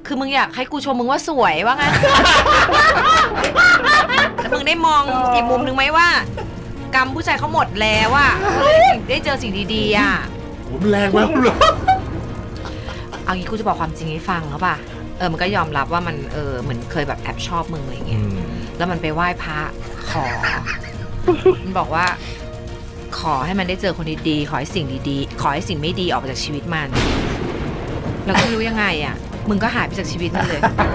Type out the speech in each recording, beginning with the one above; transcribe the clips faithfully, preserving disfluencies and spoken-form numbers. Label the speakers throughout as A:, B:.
A: คือมึงอยากให้กูชมมึงว่าสวยว่างั้น แล้วมึงได้มองอีกมุมนึงไหมว่ากรรมผู้ชายเขาหมดแล้วอะได้เจอสิ่งดีๆอะ
B: ผมแรงมากเลย
A: เอางี้กูจะบอกความจริงให้ฟังแล้วป่ะเออมันก็ยอมรับว่ามันเออเหมือนเคยแบบแอบชอบมึงอะไรเงี้ยแล้วมันไปไหว้พระขอมันบอกว่าขอให้มันได้เจอคนดีๆขอให้สิ่งดีๆขอให้สิ่งไม่ดีออกไปจากชีวิตมันแล้วก็ไม่รู้ยังไงอ่ะมึงก็หายไปจากชีวิตมันเลย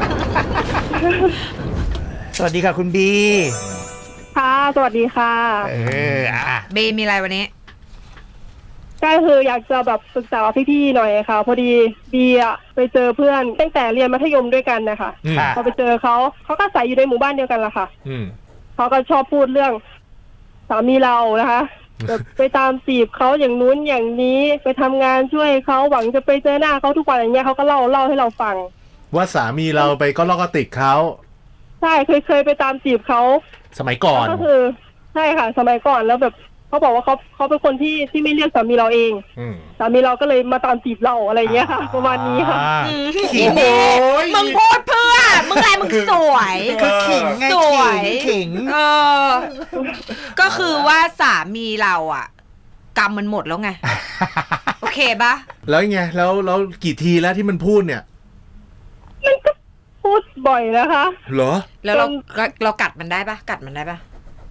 C: สวัสดีค่ะคุณบี
D: ค่ะสวัสดีค่ะ
C: เอออ่ะ
A: เบมีอะไรวันนี้
D: ก็คืออยากจะแบบปรึกษาพี่ๆหน่อยค่ะพอดีบีอะไปเจอเพื่อนตั้งแต่เรียนมัธยมด้วยกันนะคะพอไปเจอเขาเขาก็ใส่อยู่ในหมู่บ้านเดียวกันละค่ะเขาก็ชอบพูดเรื่องสามีเรานะคะแบบไปตามจีบเขาอย่างนู้นอย่างนี้ไปทำงานช่วยเขาหวังจะไปเจอหน้าเขาทุกวันอย่างเงี้ยเขาก็เล่าเล่าให้เราฟัง
B: ว่าสามีเราไปก็ลอกกระติกเขา
D: ใช่เคยเคยไปตามจีบเขา
B: สมัยก่อน
D: ก็คือใช่ค่ะสมัยก่อนแล้วแบบเขาบอกว่าเขาเขาเป็นคนที่ที่ไม่เรียกสามีเราเองสามีเราก็เลยมาตามจีบเราอะไรเงี้ยค่ะประมาณนี้ค่ะ
A: ขิงมึงพูดเพื่อมึงอะไรมึงสวย
C: คือขิงไงขิงขิง
A: เออก็คือว่าสามีเราอ่ะกรรมมันหมดแล้วไงโอเคปะ
B: แล้วไงแล้วแล้วกี่ทีแล้วที่มันพูดเนี่ย
D: มันก็พูดบ่อยนะคะ
B: เหรอ
A: แล้วเราเรากัดมันได้ปะกัดมันได้ปะ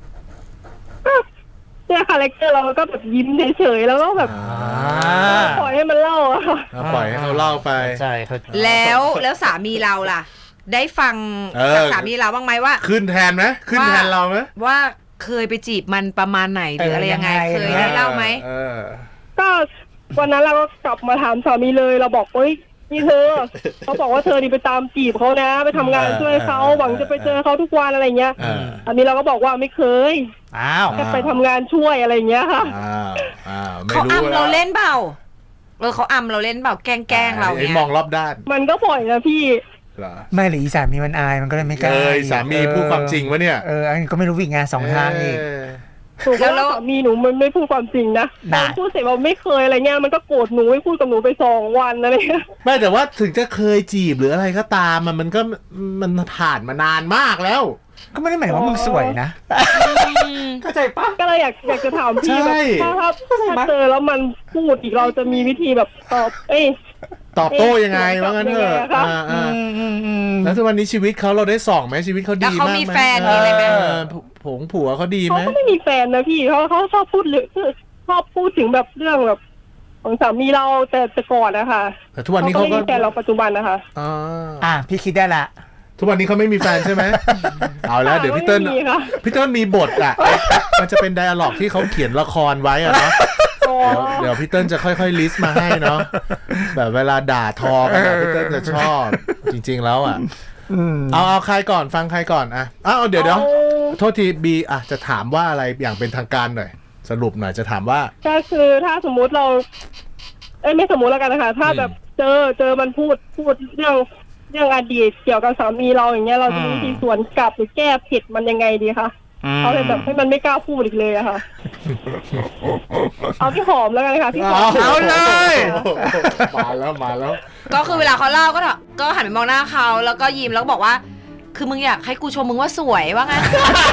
D: เนี่ยคาแรคเตอร์เราก็แบบยิ้มเฉยๆแล้วก็แบบปล่อยให้มันเล่าอะ
B: ปล่อยให้เขาเล่าไป
C: ใช่เขา
A: แล้วแล้วสามีเราล่ะได้ฟังจากสามีเราบ้างไหมว่า
B: ขึ้นแทนไหมขึ้นแทนเราไหม
A: ว่าเคยไปจีบมันประมาณไหนหรืออะไรยังไงเคยได้เล่าไหม
D: ก็วันนั้นเราก็กลับมาถามสามีเลยเราบอกเฮ้ยนี่เธอเขาบอกว่าเธอนี่ไปตามจีบเขานะไปทำงานช่วยเขาหวังจะไปเจอเขาทุกวันอะไรเงี้ยอันนี้เราก็บอกว่าไม่เคย
C: อ้าว
D: แค่ไปทำงานช่วยอะไรเงี้ยค่ะ
A: เขาอำเราเล่นเปล่าเออเขาอำเราเล่นเปล่าแกล้งแกล้งเราเนี่ย
B: มองรอบด้าน
D: มันก็บ่อยนะพี่
C: ไม่หรือสามีมันอายมันก็เลยไม่กล้า
B: เออสามีพูดความจริงวะเนี่ย
C: เอออันนี้ก็ไม่รู้วิ่งงานสองทางอีก
D: ถูกแล้วสามีหนูมันไม่พูดความจริงนะพูดเสร็จว่าไม่เคยอะไรเงี้ยมันก็โกรธหนูไม่พูดกับหนูไปสองวันอะไรเงี้ย
B: ไม่แต่ว่าถึงจะเคยจีบหรืออะไรก็ตามมันมันก็มันผ่านมานานมากแล้ว
C: ก็ไม่ได้หมายว่ามึงสวยนะเข้าใจปะ
D: ก็เลยอยากอยากจะถามพี่แบบถ้าถ้าเจอแล้วมันพูดอีกเราจะมีวิธีแบบตอบเอ้ย
B: ตอบโต้ยังไงว่างั้นเถอะแล้วทุกวันนี้ชีวิตเขาเราได้ส่องไหมชีวิตเขาดีมากไหม
A: เขามีแฟนมีอะไรไหม
B: ผงผัวเขาดีไหม
D: เขาก็ไม่มีแฟนนะพี่เขาเขาชอบพูดเรื่องชอบพูดถึงแบบเรื่องแบบของสามีเราแต่แต่ก่อนนะคะ
B: แต่ทุกวันนี้เขาก็
D: แฟนเราปัจจุบันนะคะ
B: อ๋อ
C: อ่ะพี่คิดได้ละ
B: ทุกวันนี้เขาไม่มีแฟนใช่ไหมเอาแล้วเดี๋ยวพี่เติ้ลพี่เติ้ลมีบทอ่ะมันจะเป็นไดอะล็อกที่เขาเขียนละครไว้อะเนาะเดี๋ยวพี่เติ้ลจะค่อยๆลิสต์มาให้เนาะแบบเวลาด่าทอกันพี่เติ้ลจะชอบจริงๆแล้วอ่ะเอาเอาใครก่อนฟังใครก่อนอ่ะอ้าวเดี๋ยวเดี๋ยวโทษทีบีอ่ะจะถามว่าอะไรอย่างเป็นทางการหน่อยสรุปหน่อยจะถามว่า
D: ก็คือถ้าสมมุติเราเอ้ยไม่สมมุติแล้วกันนะคะถ้าแบบเจอเจอมันพูดพูดเรื่องเรื่องอดีตเกี่ยวกับสามีเราอย่างเงี้ยเราจะมีวิธีสวนกลับหรือแก้ผิดมันยังไงดีคะเอาเลยแบบให้มันไม่กล้าพูดอีกเลยอะค่ะเอาพี่หอมแล้วกันค่ะพี่หอม
B: เอาเลยมาแล้วมาแล้ว
A: ก็คือเวลาเขาเล่าก็ก็หันไปมองหน้าเขาแล้วก็ยิ้มแล้วก็บอกว่าคือมึงอยากให้กูชมมึงว่าสวยว่างั้น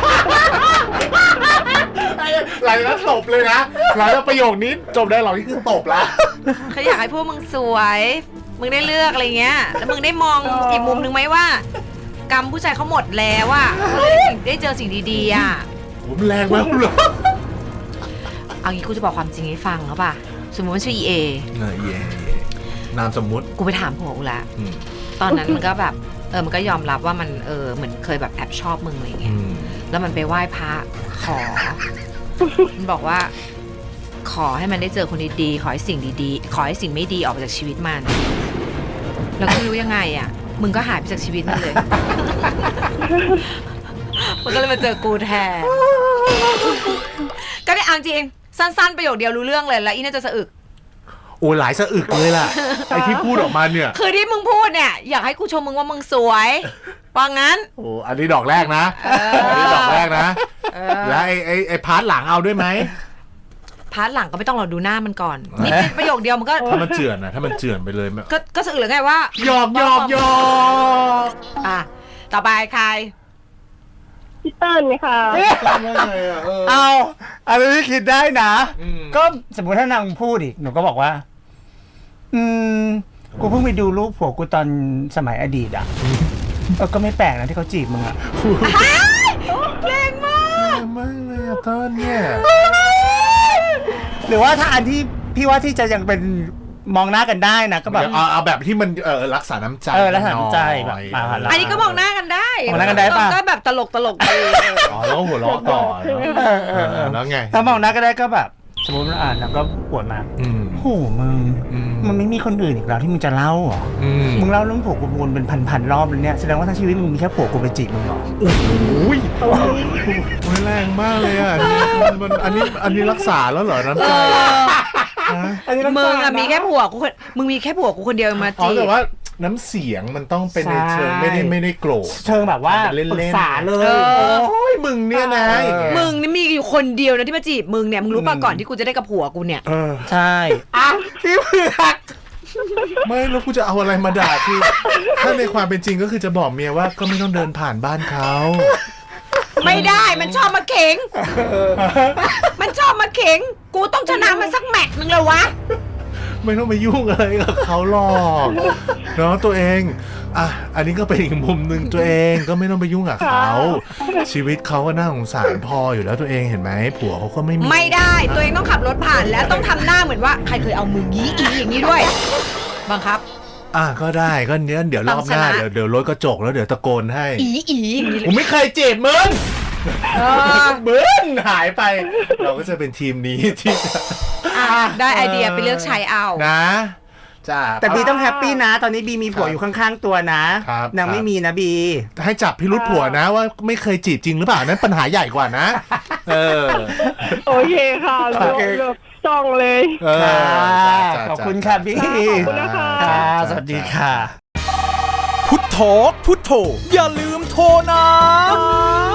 B: หลังจากตบเลยนะหลังจากประโยคนี้จบได้หรอนี่คือตบละ
A: เขาอยากให้พวกมึงสวยมึงได้เลือกอะไรเงี้ยแล้วมึงได้มองอีกมุมนึงไหมว่ากรรมผู้ชายเขาหมดแล้วอ่ะเขาเลยได้เจอสิ่งดีๆอ่ะ
B: ผมแรงมากเลย
A: เอางี้กูจะบอกความจริงให้ฟังเขาป่ะสมมติว่าชื่ออีเอ
B: เออเอ นามสมมุติ
A: กูไปถามผัวกูละตอนนั้นมันก็แบบเออมันก็ยอมรับว่ามันเออเหมือนเคยแบบแอบชอบมึงอะไรเงี้ยแล้วมันไปไหว้พระขอมันบอกว่าขอให้มันได้เจอคนดีๆขอให้สิ่งดีๆขอให้สิ่งไม่ดีออกไปจากชีวิตมันแล้วก็ไม่รู้ยังไงอ่ะมึงก็หายไปจากชีวิตมันเลยมันก็เลยมาเจอกูแทนก็ได้อ่านจริงสั้นๆประโยคเดียวรู้เรื่องเลยแล้วอีน่าจะสะอึก
B: โอ้หลายสะอึกเลยล่ะไอที่พูดออกมาเนี่ย
A: คือที่มึงพูดเนี่ยอยากให้กูชมมึงว่ามึงสวยว่างั้น
B: โอ้อันนี้ดอกแรกนะอันนี้ดอกแรกนะแล้วไอไอไอพาร์ทหลังเอาด้วยไหม
A: พาร์ทหลังก็ไม่ต้องรอดูหน้ามันก่อนนิดประโยคเดียวมันก็
B: ถ้ามันเจือนนะถ้ามันเจือนไปเลย
A: ก็ก็สื่อหรือไงว่า
B: หยอกหยอกหยอก
A: อ่ะต่อไปใคร
D: พี่เติ้ลค่ะ
C: เอาอันนี้คิดได้นะก็สมมติถ้านางพูดอีกหนูก็บอกว่าอืมกูเพิ่งไปดูรูปผัวกูตอนสมัยอดีตอ่ะเออก็ไม่แปลกนะที่เขาจีบมึงอ่ะ
A: แรงมาก
B: มากเลยอะต้นเนี่ย
C: หรือว่าถ้าอันที่พี่ว่าที่จะยังเป็นมองหน้ากันได้นะก็แบบ
B: เอาเอาแบบที่มันเออรักษาน้ำใจ
C: เออรักษาน้ำใจแบบ
B: หน่อย
A: อันนี้ก็มองหน้ากันได้
C: มองหน้ากันได้ปะ
A: ก็แบบตลกตลกดี
B: อ๋อแล้วหัวเราะต่อเนอะ
C: เออเออเออ
B: แล้วไง
C: ถ้ามองหน้าก็ได้ก็แบบสมมติว่าอ่านแล้วก็ปวดมา
B: อืม
C: โหมึง
B: อืม
C: มันไม่มีคนอื่นอีกแล้วที่มึงจะเล่าเหรอ
B: อืม
C: มึงเล่าเรื่องผัวกูวนเป็นพันๆรอบเลยเนี่ยแสดงว่าทั้งชีวิตมึงมีแค่ผัวกูไปจีบมึงเหรอ
B: โอ้โหแรงมากเลยอ่ะมันมันอันนี้อันนี้รักษาแล้วเหรอน้ำใจฮะ
C: อันนี้ต้อง
A: มึงอะ
C: นะ
A: มีแค่ผัวกูคนมึงมีแค่ผัวกูคนเดียวมา
B: อ๋อ
A: จี
B: แต่
A: บ
B: ว่าน้ำเสียงมันต้องเป็นในเชิง
C: ใช่
B: ไม่ได้ไม่ได้โกรธ
C: เชิงแบบว่า
B: เล่นๆ
C: ปรึกษาเลย
A: เออ
B: โอ้ยมึงเนี่ยนะอย่างเงี้ย
A: มึงนี่มีอยู่คนเดียวนะที่มาจีบมึงเนี่ยมึงรู้ป่ะก่อนที่กูจะได้กับผัวกูเนี่ย
B: เออ
C: ใช่อ่ะพี่เผือก
B: ไม่แล้วกูจะเอาอะไรมาด่าคือถ้าในความเป็นจริงก็คือจะบอกเมียว่าก็ไม่ต้องเดินผ่านบ้านเขา
A: ไม่ได้มันชอบมาเข็ง มันชอบมาเข็ง กูต้องชนะมันสักแมตช์นึงเลยวะ
B: ไม่ต้องไปยุ่งอะไรกับเขาหรอกเนาะตัวเองอ่ะอันนี้ก็เป็นอีกมุมหนึ่งตัวเองก็ไม่ต้องไปยุ่งกับเขาชีวิตเขาก็น่าสงสารพออยู่แล้วตัวเองเห็นไหมผัวเขาก็ไม่มี
A: ไม่ได้ตัวเองต้องขับรถผ่านแล้วต้องทำหน้าเหมือนว่าใครเคยเอามือยี้อีอย่างนี้ด้วยบังคับ
B: อ่ะก็ได้ก็เนี้ยเดี๋ยวรอบหน้า
A: ต้องชนะ
B: เดี๋ยวเดี๋ยวรถกระจกแล้วเดี๋ยวตะโกนให้
A: อีอีอย่างนี้เล
B: ผม
A: ย
B: ไม่เคยจีบมึง
A: เออ
B: มึงหายไป เราก็จะเป็นทีมนี้ที่จะ
A: อ่ะได้ไอเดียไปเลือกใช้เอา
B: นะจ้า
C: แต่บีต้องแฮปปี้นะ ตอนนี้บีมีผัวอยู่ข้างๆตัวนะครับ นางไม่มีนะบี
B: ให้จับพิรุษผัวนะว่าไม่เคยจีบจริงหรือเปล่านั้นปัญหาใหญ่กว่านะ เออ
D: โอเคค่ะเลือกเลือกจ้องเลย
B: เออ
C: ค่ะ
B: จ้า
C: ขอบคุณค่ะบี
D: ขอบคุณนะคะ
C: ค่ะสวัสดีค่ะ
E: พุทโธพุทโธอย่าลืมโทรนะ